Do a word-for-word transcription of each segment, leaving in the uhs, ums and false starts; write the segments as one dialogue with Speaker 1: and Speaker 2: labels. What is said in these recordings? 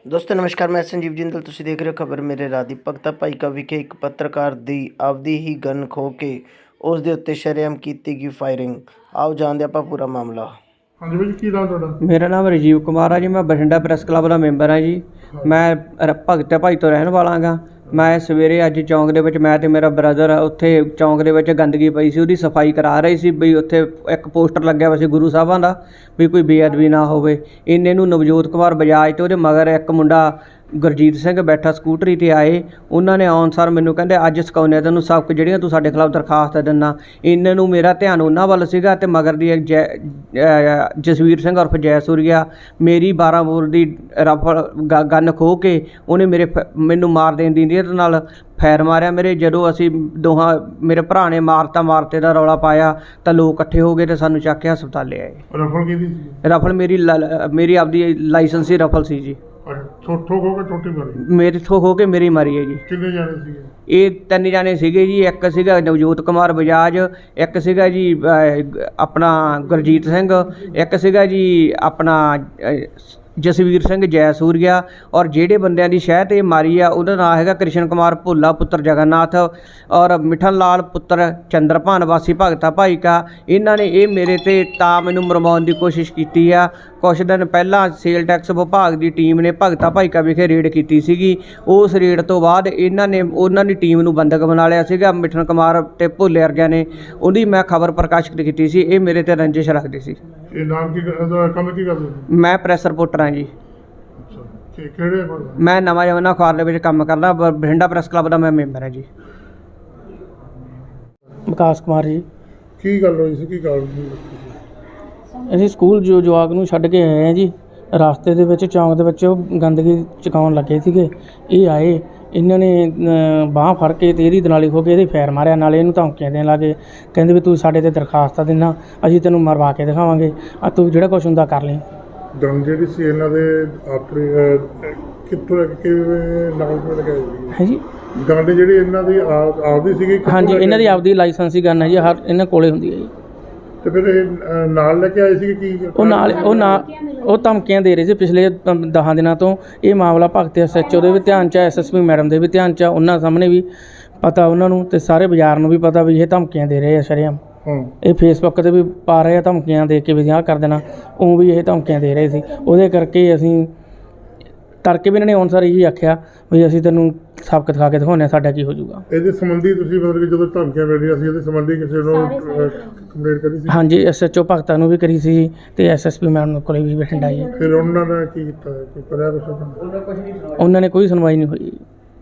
Speaker 1: ਦੋਸਤੋ ਨਮਸਕਾਰ, ਮੈਂ ਸੰਜੀਵ ਜਿੰਦਲ। ਤੁਸੀਂ ਦੇਖ ਰਹੇ ਹੋ ਖਬਰ ਮੇਰੇ ਰਾਹ ਦੀ। ਭਗਤਾ ਭਾਈਕਾ ਵਿਖੇ ਇੱਕ ਪੱਤਰਕਾਰ ਦੀ ਆਪਦੀ ਹੀ ਗਨ ਖੋਹ ਕੇ ਉਸ ਦੇ ਉੱਤੇ ਸ਼ਰੇਆਮ ਕੀਤੀ ਗਈ ਫਾਇਰਿੰਗ। ਆਓ ਜਾਣਦੇ ਆਪਾਂ ਪੂਰਾ ਮਾਮਲਾ।
Speaker 2: ਹਾਂਜੀ ਭਾਈ, ਕੀ ਨਾਮ ਤੁਹਾਡਾ?
Speaker 3: ਮੇਰਾ ਨਾਮ ਰਾਜੀਵ ਕੁਮਾਰ ਆ ਜੀ। ਮੈਂ ਬਠਿੰਡਾ ਪ੍ਰੈਸ ਕਲੱਬ ਦਾ ਮੈਂਬਰ ਹਾਂ ਜੀ। ਮੈਂ ਰ- ਭਗਤਾ ਭਾਈ ਤੋਂ ਰਹਿਣ ਵਾਲਾ ਗਾ। ਮੈਂ ਸਵੇਰੇ ਅੱਜ ਚੌਂਕ ਦੇ ਵਿੱਚ ਮੈਂ ਤੇ ਮੇਰਾ ਬ੍ਰਦਰ ਉੱਥੇ ਚੌਂਕ ਦੇ ਵਿੱਚ ਗੰਦਗੀ ਪਈ ਸੀ, ਉਹਦੀ ਸਫਾਈ ਕਰਾ ਰਹੀ ਸੀ ਵੀ ਉੱਥੇ ਇੱਕ ਪੋਸਟਰ ਲੱਗਿਆ ਹੋਇਆ ਸੀ ਗੁਰੂ ਸਾਹਿਬਾਂ ਦਾ ਵੀ ਕੋਈ ਬੇਅਦਬੀ ਨਾ ਹੋਵੇ। ਇੰਨੇ ਨੂੰ ਨਵਜੋਤ ਕੁਮਾਰ ਬਜਾਜ ਤੇ ਉਹਦੇ ਮਗਰ ਇੱਕ ਮੁੰਡਾ ਗੁਰਜੀਤ ਸਿੰਘ ਬੈਠਾ ਸਕੂਟਰੀ 'ਤੇ ਆਏ। ਉਹਨਾਂ ਨੇ ਆਉਣ ਸਾਰ ਮੈਨੂੰ ਕਹਿੰਦੇ ਅੱਜ ਸਿਖਾਉਂਦੇ ਤੈਨੂੰ ਸਬਕ ਜਿਹੜੀਆਂ ਤੂੰ ਸਾਡੇ ਖਿਲਾਫ ਦਰਖਾਸਤ ਦਿੰਦਾ। ਇਹਨਾਂ ਨੂੰ ਮੇਰਾ ਧਿਆਨ ਉਹਨਾਂ ਵੱਲ ਸੀਗਾ ਅਤੇ ਮਗਰ ਦੀ ਇੱਕ ਜੈ ਅ, ਜਸਵੀਰ ਸਿੰਘ ਉਰਫ ਜੈ ਸੂਰੀਆ ਮੇਰੀ ਬਾਰਾਂ ਬੋਰ ਦੀ ਰਫਲ ਗ ਗੰਨ ਖੋਹ ਕੇ ਉਹਨੇ ਮੇਰੇ ਫ ਮੈਨੂੰ ਮਾਰ ਦੇਣ ਦੀ ਨੀਅਤ ਨਾਲ ਫੈਰ ਮਾਰਿਆ ਮੇਰੇ। ਜਦੋਂ ਅਸੀਂ ਦੋਹਾਂ ਮੇਰੇ ਭਰਾ ਨੇ ਮਾਰਤਾ ਮਾਰਤੇ ਦਾ ਰੌਲਾ ਪਾਇਆ ਤਾਂ ਲੋਕ ਇਕੱਠੇ ਹੋ ਗਏ ਅਤੇ ਸਾਨੂੰ ਚੱਕ ਕੇ ਹਸਪਤਾਲੇ ਆਏ।
Speaker 2: ਰਫਲ ਕਿਹਦੀ ਸੀ?
Speaker 3: ਰਫਲ ਮੇਰੀ ਲ- ਮੇਰੀ ਆਪਦੀ ਲਾਇਸੈਂਸੀ ਰਫਲ ਸੀ ਜੀ।
Speaker 2: ਠੋਕ ਠੋਕ ਹੋ ਕੇ ਛੋਟੀ ਮਾਰੀ?
Speaker 3: ਮੇਰੇ ਤੋਂ ਹੋ ਕੇ ਮੇਰੀ ਮਾਰੀ ਹੈ ਜੀ।
Speaker 2: ਕਿੰਨੇ ਜਾਣੇ ਸੀਗੇ?
Speaker 3: ਇਹ ਤਿੰਨ ਜਾਣੇ ਸੀਗੇ ਜੀ। ਇੱਕ ਸੀਗਾ ਨਵਜੋਤ ਕੁਮਾਰ ਬਜਾਜ, ਇੱਕ ਸੀਗਾ ਜੀ ਅ, ਆਪਣਾ ਗੁਰਜੀਤ ਸਿੰਘ, ਇੱਕ ਸੀਗਾ ਜੀ ਆਪਣਾ ਅ, ਜਸਵੀਰ ਸਿੰਘ ਜੈ ਸੂਰੀਆ। ਔਰ ਜਿਹੜੇ ਬੰਦਿਆਂ ਦੀ ਸ਼ਹਿ 'ਤੇ ਮਾਰੀ ਆ ਉਹਦਾ ਨਾਂ ਹੈਗਾ ਕ੍ਰਿਸ਼ਨ ਕੁਮਾਰ ਭੋਲਾ ਪੁੱਤਰ ਜਗਨਨਾਥ ਔਰ ਮਿਠਨ ਲਾਲ ਪੁੱਤਰ ਚੰਦਰਭਾਨ ਵਾਸੀ ਭਗਤਾ ਭਾਈਕਾ। ਇਹਨਾਂ ਨੇ ਇਹ ਮੇਰੇ 'ਤੇ ਤਾਂ ਮੈਨੂੰ ਮਰਵਾਉਣ ਦੀ ਕੋਸ਼ਿਸ਼ ਕੀਤੀ ਆ। ਕੁਛ ਦਿਨ ਪਹਿਲਾਂ ਸੇਲ ਟੈਕਸ ਵਿਭਾਗ ਦੀ ਟੀਮ ਨੇ ਭਗਤਾ ਭਾਈਕਾ ਵਿਖੇ ਰੇਡ ਕੀਤੀ ਸੀਗੀ। ਉਸ ਰੇਡ ਤੋਂ ਬਾਅਦ ਇਹਨਾਂ ਨੇ ਉਹਨਾਂ ਦੀ ਟੀਮ ਨੂੰ ਬੰਦਕ ਬਣਾ ਲਿਆ ਸੀਗਾ। ਮਿਠਨ ਕੁਮਾਰ ਅਤੇ ਭੋਲੇ ਵਰਗਿਆਂ ਨੇ ਉਹਦੀ ਮੈਂ ਖਬਰ ਪ੍ਰਕਾਸ਼ਿਤ ਕੀਤੀ ਸੀ। ਇਹ ਮੇਰੇ 'ਤੇ ਰੰਜਿਸ਼ ਰੱਖਦੇ ਸੀ।
Speaker 2: ਇਹ ਨਾਮ ਕੀ ਇਹਦਾ ਕੰਮ ਕੀ ਕਰਦੇ ਸੀ?
Speaker 3: ਮੈਂ ਪ੍ਰੈਸ ਰਿਪੋਰਟਰ ਹਾਂ ਜੀ।
Speaker 2: ਅੱਛਾ, ਕਿ ਕਿਹੜੇ ਅਖਬਾਰ ਦਾ?
Speaker 3: ਮੈਂ ਨਵਾਂ ਜਮਨਾ ਅਖਬਾਰ ਦੇ ਵਿੱਚ ਕੰਮ ਕਰਦਾ। ਬ- ਬਠਿੰਡਾ ਪ੍ਰੈਸ ਕਲੱਬ ਦਾ ਮੈਂ ਮੈਂਬਰ ਹਾਂ ਜੀ। ਵਿਕਾਸ ਕੁਮਾਰ ਜੀ।
Speaker 2: ਕੀ ਗੱਲ ਹੋਈ ਸੀ? ਕੀ ਕਾਰਨ ਸੀ?
Speaker 4: ਅਸੀਂ ਸਕੂਲ ਜੋ ਜਵਾਕ ਨੂੰ ਛੱਡ ਕੇ ਆਏ ਹਾਂ ਜੀ। ਰਸਤੇ ਦੇ ਵਿੱਚ ਚੌਂਕ ਦੇ ਵਿੱਚ ਉਹ ਗੰਦਗੀ ਚੁਕਾਉਣ ਲੱਗੇ ਸੀਗੇ। ਇਹ ਆਏ, ਇਹਨਾਂ ਨੇ ਬਾਂਹ ਫੜ ਕੇ ਅਤੇ ਇਹਦੀ ਦਨਾਲੀ ਖੋਹ ਕੇ ਇਹਦੇ ਫੈਰ ਮਾਰਿਆ। ਨਾਲੇ ਇਹਨੂੰ ਧਮਕੀਆਂ ਦੇਣ ਲੱਗੇ, ਕਹਿੰਦੇ ਵੀ ਤੂੰ ਸਾਡੇ 'ਤੇ ਦਰਖਾਸਤਾਂ ਦਿੰਦਾ, ਅਸੀਂ ਤੈਨੂੰ ਮਰਵਾ ਕੇ ਦਿਖਾਵਾਂਗੇ, ਆ ਤੂੰ ਜਿਹੜਾ ਕੁਛ ਹੁੰਦਾ ਕਰ ਲਈ।
Speaker 2: ਗਨ ਜਿਹੜੀ ਸੀ ਇਹਨਾਂ ਦੇ ਆਪਣੀ ਅਹ, ਕਿੱਥੋਂ ਲੈ ਕੇ ਕਿਵੇਂ ਨਾਲ ਕਿਵੇਂ ਲਗਾਈ ਸੀ?
Speaker 4: ਹੈ ਜੀ।
Speaker 2: ਗਨ ਜਿਹੜੀ ਇਹਨਾਂ ਦੀ ਆਪ ਆਪਦੀ ਸੀਗੀ? ਕਿੱਥੋਂ
Speaker 4: ਹਾਂਜੀ,
Speaker 2: ਲੈ ਕੇ
Speaker 4: ਇਹਨਾਂ ਦੀ
Speaker 2: ਆਏ?
Speaker 4: ਆਪਦੀ ਲਾਇਸੈਂਸੀ ਗਨ ਹੈ ਜੀ। ਹਰ ਇਹਨਾਂ ਕੋਲੇ ਹੁੰਦੀ ਹੈ ਜੀ।
Speaker 2: ਤੇ ਫਿਰ ਇਹ ਅਹ, ਨਾਲ ਲੈ ਕੇ ਆਏ ਸੀ ਕੀ?
Speaker 4: ਉਹ ਨਾਲ ਉਹ ਨਾ ਉਹ ਧਮਕੀਆਂ ਦੇ ਰਹੇ ਸੀ ਪਿਛਲੇ ਅਮ, ਦਸਾਂ ਦਿਨਾਂ ਤੋਂ। ਇਹ ਮਾਮਲਾ ਭਗਤ ਐਸ ਐਚ ਓ ਦੇ ਵੀ ਧਿਆਨ 'ਚ, ਐਸ ਐਸ ਪੀ ਮੈਡਮ ਦੇ ਵੀ ਧਿਆਨ 'ਚ, ਉਹਨਾਂ ਸਾਹਮਣੇ ਵੀ ਪਤਾ ਉਹਨਾਂ ਨੂੰ, ਅਤੇ ਸਾਰੇ ਬਾਜ਼ਾਰ ਨੂੰ ਵੀ ਪਤਾ ਵੀ ਇਹ ਧਮਕੀਆਂ ਦੇ ਰਹੇ ਆ ਸ਼ਰੇਆਮ।
Speaker 2: ਹਾਂ।
Speaker 4: ਇਹ ਫੇਸਬੁੱਕ 'ਤੇ ਵੀ ਪਾ ਰਹੇ ਆ ਧਮਕੀਆਂ ਦੇ ਕੇ ਵੀ ਆਹ ਕਰ ਦੇਣਾ। ਉਹ ਵੀ ਇਹ ਧਮਕੀਆਂ ਦੇ ਰਹੇ ਸੀ। ਉਹਦੇ ਕਰਕੇ ਅਸੀਂ ਤੜਕੇ ਵੀ ਇਹਨਾਂ ਨੇ ਆਉਣ ਸਾਰ ਇਹੀ ਆਖਿਆ ਵੀ ਅਸੀਂ ਤੈਨੂੰ ਸਬਕ ਦਿਖਾ ਕੇ ਦਿਖਾਉਂਦੇ ਹਾਂ ਸਾਡਾ ਕੀ ਹੋ ਜਾਊਗਾ।
Speaker 2: ਇਹਦੇ ਸੰਬੰਧੀ ਤੁਸੀਂ ਮਤਲਬ ਕਿ ਜਦੋਂ ਧਮਕੀਆਂ ਮਿਲ ਰਹੀਆਂ ਸੀ ਇਹਦੇ ਸੰਬੰਧੀ ਕਿਸੇ ਨੂੰ ਕੰਪਲੇਂਟ ਕਰੀ ਸੀ?
Speaker 4: ਹਾਂਜੀ, ਐਸ ਐਚ ਓ ਭਗਤਾਂ ਨੂੰ ਵੀ ਕਰੀ ਸੀ ਅਤੇ ਐਸ ਐਸ ਪੀ ਮੈਡਮ ਕੋਲੇ ਵੀ ਬਠਿੰਡਾ ਜੀ।
Speaker 2: ਫਿਰ ਉਹਨਾਂ ਨੇ ਕੀ ਕੀਤਾ? ਕੋਈ ਕਰਿਆ ਕੁਛ?
Speaker 4: ਉਹਨਾਂ ਨੇ ਕੋਈ ਸੁਣਵਾਈ ਨਹੀਂ ਹੋਈ।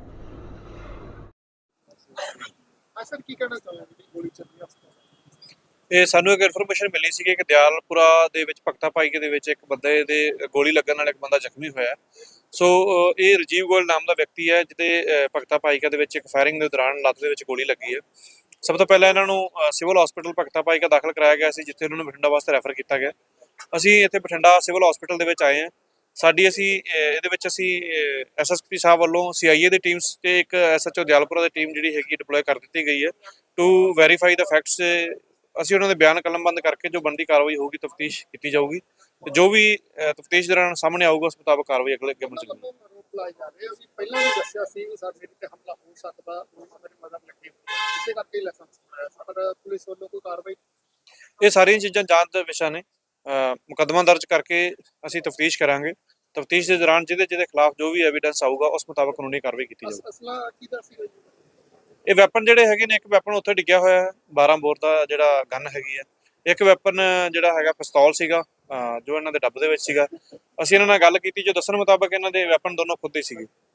Speaker 2: ਸਰ, ਕੀ ਕਹਿਣਾ ਚਾਹੁੰਦੇ ਗੋਲੀ ਚੱਲੀ?
Speaker 5: ਇਹ ਸਾਨੂੰ ਇੱਕ ਇਨਫੋਰਮੇਸ਼ਨ ਮਿਲੀ ਸੀ ਕਿ ਦਿਆਲਪੁਰਾ ਦੇ ਵਿੱਚ ਭਗਤਾ ਭਾਈਕੇ ਦੇ ਵਿੱਚ ਇੱਕ ਬੰਦੇ ਦੇ ਗੋਲੀ ਲੱਗਣ ਨਾਲ ਇੱਕ ਬੰਦਾ ਜ਼ਖਮੀ ਹੋਇਆ। ਸੋ ਅ, ਇਹ ਰਾਜੀਵ ਗੋਇਲ ਨਾਮ ਦਾ ਵਿਅਕਤੀ ਹੈ ਜਿਹਦੇ ਅ, ਭਗਤਾ ਭਾਈਕਾ ਦੇ ਵਿੱਚ ਇੱਕ ਫਾਇਰਿੰਗ ਦੇ ਦੌਰਾਨ ਲੱਤ ਦੇ ਵਿੱਚ ਗੋਲੀ ਲੱਗੀ ਹੈ। ਸਭ ਤੋਂ ਪਹਿਲਾਂ ਇਹਨਾਂ ਨੂੰ ਅ, ਸਿਵਲ ਹਸਪੀਟਲ ਭਗਤਾ ਭਾਈਕਾ ਦਾਖਲ ਕਰਾਇਆ ਗਿਆ ਸੀ, ਜਿੱਥੇ ਉਹਨਾਂ ਨੂੰ ਬਠਿੰਡਾ ਵਾਸਤੇ ਰੈਫਰ ਕੀਤਾ ਗਿਆ। ਅਸੀਂ ਇੱਥੇ ਬਠਿੰਡਾ ਸਿਵਲ ਹਸਪੀਟਲ ਦੇ ਵਿੱਚ ਆਏ ਹਾਂ। ਸਾਡੀ ਅਸੀਂ ਅ, ਇਹਦੇ ਵਿੱਚ ਅਸੀਂ ਐਸ ਐਸ ਪੀ ਸਾਹਿਬ ਵੱਲੋਂ ਸੀ ਆਈ ਏ ਦੀ ਟੀਮਸ ਤੇ ਇੱਕ ਐਸ ਐਚ ਓ ਦਿਆਲਪੁਰਾ ਦੀ ਟੀਮ ਜਿਹੜੀ ਹੈਗੀ ਡਿਪਲੋਏ ਕਰ ਦਿੱਤੀ ਗਈ ਹੈ ਟੂ ਵੈਰੀਫਾਈ ਦਾ ਫੈਕਟਸ। ਅਸੀਂ ਉਹਨਾਂ ਦੇ ਬਿਆਨ ਕਲਮਬੰਦ ਕਰਕੇ ਜੋ ਬਣਦੀ ਕਾਰਵਾਈ ਹੋਊਗੀ ਤਫਤੀਸ਼ ਕੀਤੀ ਜਾਊਗੀ ਤੇ ਜੋ ਵੀ ਤਫਤੀਸ਼ ਦੌਰਾਨ ਸਾਹਮਣੇ ਆਊਗਾ ਉਸ ਮੁਤਾਬਕ ਕਾਰਵਾਈ ਅਗਲੇ ਅੱਗੇ ਚੱਲੇਗੀ।
Speaker 6: ਅਸੀਂ ਪਹਿਲਾਂ ਵੀ ਦੱਸਿਆ ਸੀ ਵੀ ਸਾਡੇ ਤੇ ਹਮਲਾ ਹੋ ਸਕਦਾ, ਮੇਰੇ ਮਦਦ ਲੱਗੀ ਇਸੇ ਕਰਕੇ ਲਾਇਸੈਂਸ ਬਣਾਇਆ, ਪਰ ਪੁਲਿਸ ਵੱਲੋਂ ਕੋਈ ਕਾਰਵਾਈ?
Speaker 5: ਇਹ ਸਾਰੀਆਂ ਚੀਜ਼ਾਂ ਜਾਂਚ ਦਾ ਵਿਸ਼ਾ ਨੇ। ਮੁਕੱਦਮਾ ਦਰਜ ਕਰਕੇ ਅਸੀਂ ਤਫਤੀਸ਼ ਕਰਾਂਗੇ। ਤਫਤੀਸ਼ ਦੇ ਦੌਰਾਨ ਜਿਹਦੇ ਜਿਹਦੇ ਖਿਲਾਫ ਜੋ ਵੀ ਐਵੀਡੈਂਸ ਆਊਗਾ ਉਸ ਮੁਤਾਬਕ ਕਾਨੂੰਨੀ ਕਾਰਵਾਈ ਕੀਤੀ ਜਾਊਗੀ।
Speaker 6: ਅਸਲਾ ਕਿਹਦਾ ਸੀਗਾ ਜੀ?
Speaker 5: ਇਹ ਵੈਪਨ ਜਿਹੜੇ ਹੈਗੇ ਨੇ, ਇੱਕ ਵੈਪਨ ਉੱਥੇ ਡਿੱਗਿਆ ਹੋਇਆ ਹੈ ਬਾਰਾਂ ਬੋਰ ਦਾ ਜਿਹੜਾ ਗਨ ਹੈਗੀ ਹੈ। ਇੱਕ ਵੈਪਨ ਜਿਹੜਾ ਹੈਗਾ ਪਿਸਤੌਲ ਸੀਗਾ ਜੋ ਇਹਨਾਂ ਦੇ ਡੱਬ ਦੇ ਵਿੱਚ ਸੀਗਾ। ਅਸੀਂ ਇਹਨਾਂ ਨਾਲ ਗੱਲ ਕੀਤੀ, ਜੋ ਦੱਸਣ ਮੁਤਾਬਕ ਇਹਨਾਂ ਦੇ ਵੈਪਨ ਦੋਨੋਂ ਖੁਦ ਹੀ ਸੀਗੇ।